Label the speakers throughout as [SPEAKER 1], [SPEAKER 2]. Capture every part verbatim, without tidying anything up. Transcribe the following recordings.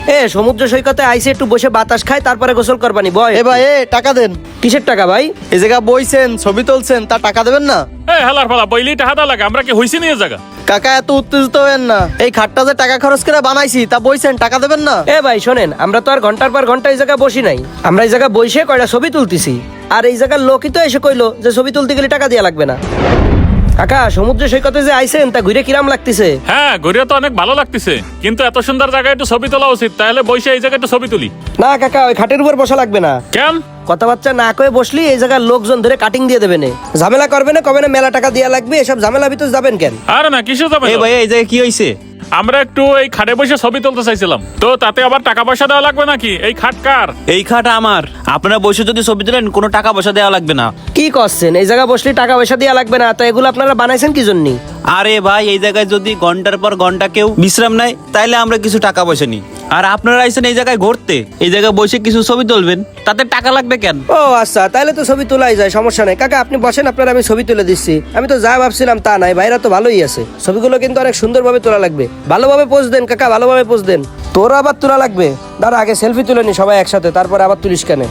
[SPEAKER 1] এ সমুদ্র সৈকতে আইসে একটু বসে বাতাস খায় তারপরে গোসল করবানি বয়।
[SPEAKER 2] এ ভাই এ টাকা দেন।
[SPEAKER 1] কিসের টাকা ভাই?
[SPEAKER 2] এই জায়গা বইছেন ছবি তুলছেন তা টাকা দেবেন না?
[SPEAKER 3] এই হালার ফালা বইলি টাকা দা লাগে, আমরা কি হইছি নিয়ে জায়গা?
[SPEAKER 2] কাকা এত উত্তেজিত হবেন না, এই খাটটা যে টাকা খরচ করে বানাইছি তা বইছেন টাকা দেবেন না?
[SPEAKER 1] এ ভাই শোনেন, আমরা তো আর ঘন্টার পর ঘন্টা এই জায়গায় বসি নাই, আমরা এই জায়গায় বসে কয়টা ছবি তুলতেছি। আর এই জায়গার লোকই তো এসে কইলো যে ছবি তুলতে গেলে টাকা দেওয়া লাগবে না। কাকা সমুদ্র সৈকতে যে আইছেন তা ঘুরে কিরাম লাগতেছে?
[SPEAKER 3] হ্যাঁ ঘুরে তো অনেক ভালো লাগতেছে, কিন্তু এত সুন্দর জায়গায় একটু ছবি তোলা উচিত, তাহলে বসে এই জায়গায় একটু ছবি তুলি।
[SPEAKER 1] না কাকা, ওই খাটের উপর বসা লাগবে না।
[SPEAKER 3] কেন?
[SPEAKER 1] কথাবার্তা না কয়ে বসলি এই জায়গার লোকজন ধরে কাটিং দিয়ে দেবে না, ঝামেলা করবে না, কবে না মেলা টাকা দেওয়া লাগবে, এসব ঝামেলা ভিতর যাবেন কেন?
[SPEAKER 3] আরে না কিসে যাবে?
[SPEAKER 4] এই ভাই এই জায়গায় কি হইছে?
[SPEAKER 3] আমরা একটু এই খাটে বসে ছবি তুলতে চাইছিলাম, তো তাতে আবার টাকা পয়সা দেওয়া লাগবে নাকি? এই খাট কার?
[SPEAKER 4] এই খাট আমার। আপনারা বসে যদি ছবি তোলেন কোনো টাকা পয়সা দেওয়া লাগবে না।
[SPEAKER 1] কি করছেন? এই জায়গা বসলে টাকা পয়সা দেওয়া লাগবে না, তো এগুলো আপনারা বানাইছেন কি জন্য?
[SPEAKER 4] আরে ভাই এই জায়গায় যদি ঘন্টার পর ঘন্টা কেউ বিশ্রাম নেয় তাইলে আমরা কিছু টাকা পয়সা নিই। আর আপনারা আইছেন এই জায়গায় ঘুরতে, এই জায়গায় বসে কিছু ছবি তুলবেন, তাতে টাকা লাগবে কেন?
[SPEAKER 1] ও আচ্ছা, তাহলে তো ছবি তোলাই যায়, সমস্যা নেই। কাকা আপনি বসেন, আপনার আমি ছবি তুলে দিচ্ছি। আমি তো যা ভাবছিলাম তা নাই, ভাইরা তো ভালোই আছে। ছবিগুলো কিন্তু অনেক সুন্দরভাবে তোলা লাগবে, ভালোভাবে পোজ দেন কাকা, ভালোভাবে পোজ দেন। তোর আবার তোলা লাগবে, দাঁড়া আগে সেলফি তুলে নি সবাই একসাথে, তারপরে আবার তুলিস কেন?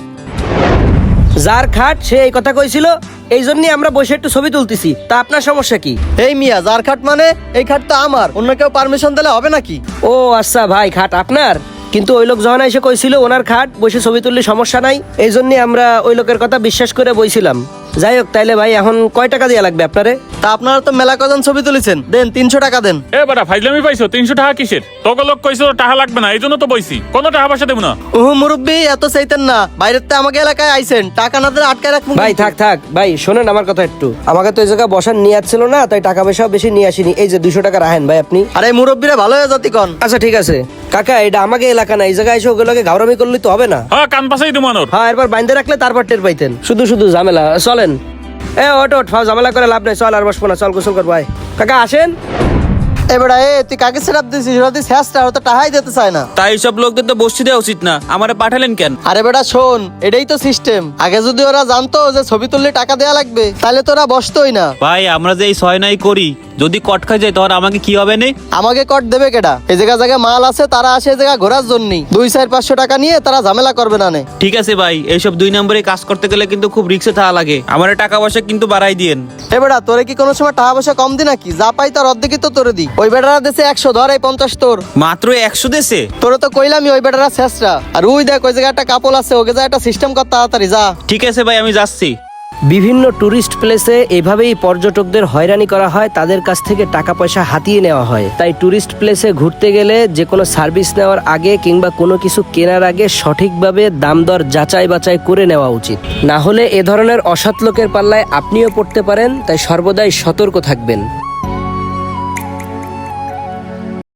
[SPEAKER 1] যার খাট সে এই কথা কইছিল, এই জন্যই আমরা বসে একটু ছবি তুলতেছি, তা আপনার সমস্যা কি?
[SPEAKER 2] এই মিয়া যার খাট মানে এই খাট তো আমার, অন্য কেউ পারমিশন দিলে হবে নাকি?
[SPEAKER 1] ও আচ্ছা ভাই, খাট আপনার, কিন্তু ওই লোক যখন এসে কইছিল ওনার খাট বসে ছবি তুললে সমস্যা নাই, এই জন্যই আমরা ওই লোকের কথা বিশ্বাস করে বইছিলাম। যাই হোক, তাইলে ভাই এখন কয় টাকা দেওয়া লাগবে আপনারে?
[SPEAKER 2] তা আপনারা তো মেলা কজন ছবি তুলেছেন, দেন তিনশো টাকা দেন।
[SPEAKER 3] এ বাড়া ফাইজলামি পাইছো? তিনশো টাকা কিসের? তোকে লোক কইছো টাকা লাগবে না, এই জন্য তো বইছি, কোনো টাকা পয়সা দেবো না।
[SPEAKER 2] ওহ মুরব্বী এত চাইতেন না, বাইরের তো আমাকে এলাকায় আইছেন, টাকা না দিলে আটকায় রাখবো।
[SPEAKER 1] ভাই থাক থাক ভাই, শোনেন আমার কথা একটু, আমাকে তো এই জায়গায় বসার নিয়ে ছিল না, তাই টাকা পয়সাও বেশি নিয়ে আসিনি। এই যে দুইশো টাকা রাখেন ভাই আপনি।
[SPEAKER 2] আরে মুরব্বীরা ভালো হয়ে যাতি কন।
[SPEAKER 1] আচ্ছা ঠিক আছে কাকা, এটা আমাকে এলাকা না, এই জায়গায় এসে ওগুলোকে ঘাউরামি করলে তো হবে না।
[SPEAKER 3] হ্যাঁ কান পাশাই দেবো আনোর।
[SPEAKER 1] হ্যাঁ এরপর বাইন্ধে রাখলে তারপর টের পাইতেন, শুধু শুধু ঝামেলা। চলেন এ ওট ওট, ফাও ঝামেলা করে লাভ নেই, চল আর বসবো না, চল গোসল করবো। ভাই কাকা আসেন।
[SPEAKER 2] এবারে এ তুই কাকে সেরাপ দিছিস, ওরা তুই শেষটা ও তো টাকাই দিতে চায় না।
[SPEAKER 4] তাই সব লোকদের তো বসতে দেওয়া উচিত না, আমারে পাঠালেন কেন?
[SPEAKER 2] আরে বেটা শোন, এটাই তো সিস্টেম। আগে যদি ওরা জানতো যে ছবি তুললে টাকা দেয়া লাগবে, তাহলে তো ওরা বসতোই না।
[SPEAKER 4] ভাই আমরা যে এই ছয় নাই করি, যদি কট খাই যায় তখন আমাকে কি হবে নে?
[SPEAKER 2] আমাকে কট দেবে কেডা? এই জায়গা জায়গায় মাল আছে, তারা আসে এই জায়গা ঘোরার জন্যই, দুই চার পাঁচশো টাকা নিয়ে তারা ঝামেলা করবে না নে।
[SPEAKER 4] ঠিক আছে ভাই, এইসব দুই নম্বরে কাজ করতে গেলে কিন্তু খুব রিক্সে থাকা লাগে, আমার টাকা পয়সা কিন্তু বাড়াই দিয়েন।
[SPEAKER 2] এ বেটা তোরে কি কোনো সময় টাকা পয়সা কম দি নাকি? যা পাই তার অর্ধেকই তো তোরে দি। ওই বেটারা দেশে একশো, ধর এই পঞ্চাশ তোর।
[SPEAKER 4] মাত্র একশো দেশে?
[SPEAKER 2] তোরে তো কইলামই ওই বেটারা শেষরা। আর ওই দেখ ওই জায়গায় একটা কাপল আছে, ওকে যা একটা সিস্টেম কর তাড়াতাড়ি যা।
[SPEAKER 4] ঠিক আছে ভাই আমি যাচ্ছি।
[SPEAKER 1] বিভিন্ন টুরিস্ট প্লেসে এভাবেই পর্যটকদের হয়রানি করা হয়, তাদের কাছ থেকে টাকা পয়সা হাতিয়ে নেওয়া হয়। তাই টুরিস্ট প্লেসে ঘুরতে গেলে যে কোনো সার্ভিস নেওয়ার আগে কিংবা কোনো কিছু কেনার আগে সঠিকভাবে দাম দর যাচাই বাছাই করে নেওয়া উচিত, না হলে এ ধরনের অসৎ লোকের পাল্লায় আপনিও পড়তে পারেন। তাই সর্বদাই সতর্ক থাকবেন।